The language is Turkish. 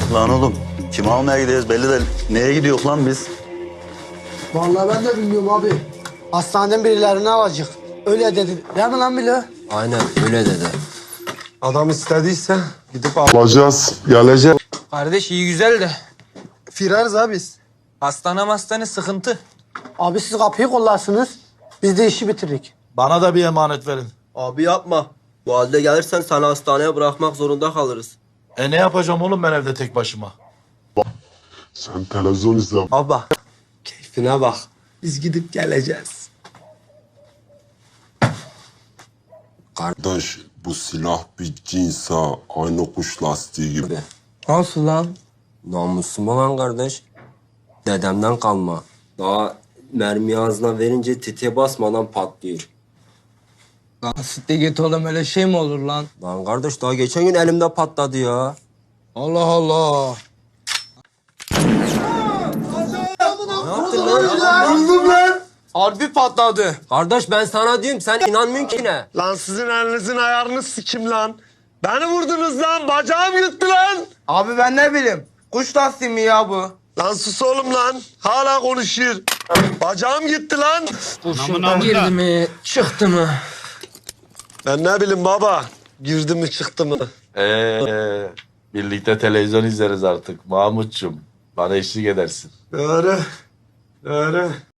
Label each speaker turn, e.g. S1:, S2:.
S1: Lan oğlum kimi almaya gidiyoruz belli de neye gidiyor lan biz?
S2: Vallahi ben de bilmiyorum abi. Hastaneden birilerini alacak. Öyle dedi. Değil mi lan Bilo?
S3: Aynen öyle dedi.
S4: Adam istediyse gidip
S5: Alacağız, geleceğiz.
S6: Kardeş iyi güzel de
S4: firarız abi biz.
S6: hastane sıkıntı.
S2: Abi siz kapıyı kollarsınız. Biz de işi bitiririk.
S1: Bana da bir emanet verin.
S3: Abi yapma. Bu halde gelirsen seni hastaneye bırakmak zorunda kalırız.
S1: Ne yapacağım oğlum ben evde tek başıma?
S5: Sen televizyon izle.
S4: Baba keyfine bak. Biz gidip geleceğiz.
S5: Kardeş bu silah bir cinsa aynı kuş lastiği gibi.
S6: Nasıl lan?
S3: Namusum olan kardeş. Dedemden kalma. Daha mermi ağzına verince tetiğe basmadan patlıyor.
S6: Lan sitte git oğlum öyle şey mi olur lan?
S3: Lan kardeş daha geçen gün elimde patladı ya.
S6: Allah Allah.
S4: Buldum lan.
S6: Harbi patladı.
S3: Kardeş ben sana diyorum sen inanmıyorsun ki ne?
S4: Lan sizin elinizin ayarını sikim lan. Beni vurdunuz lan. Bacağım gitti lan.
S6: Abi ben ne bileyim. Kuş lastiği mi ya bu?
S4: Lan sus oğlum lan. Hala konuşuyor. Bacağım gitti lan.
S6: Kurşundan girdi mi çıktı mı?
S4: Ben ne bileyim baba. Girdi mi çıktı mı?
S1: Birlikte televizyon izleriz artık Mahmutçum. Bana eşlik edersin.
S4: Doğru. Doğru.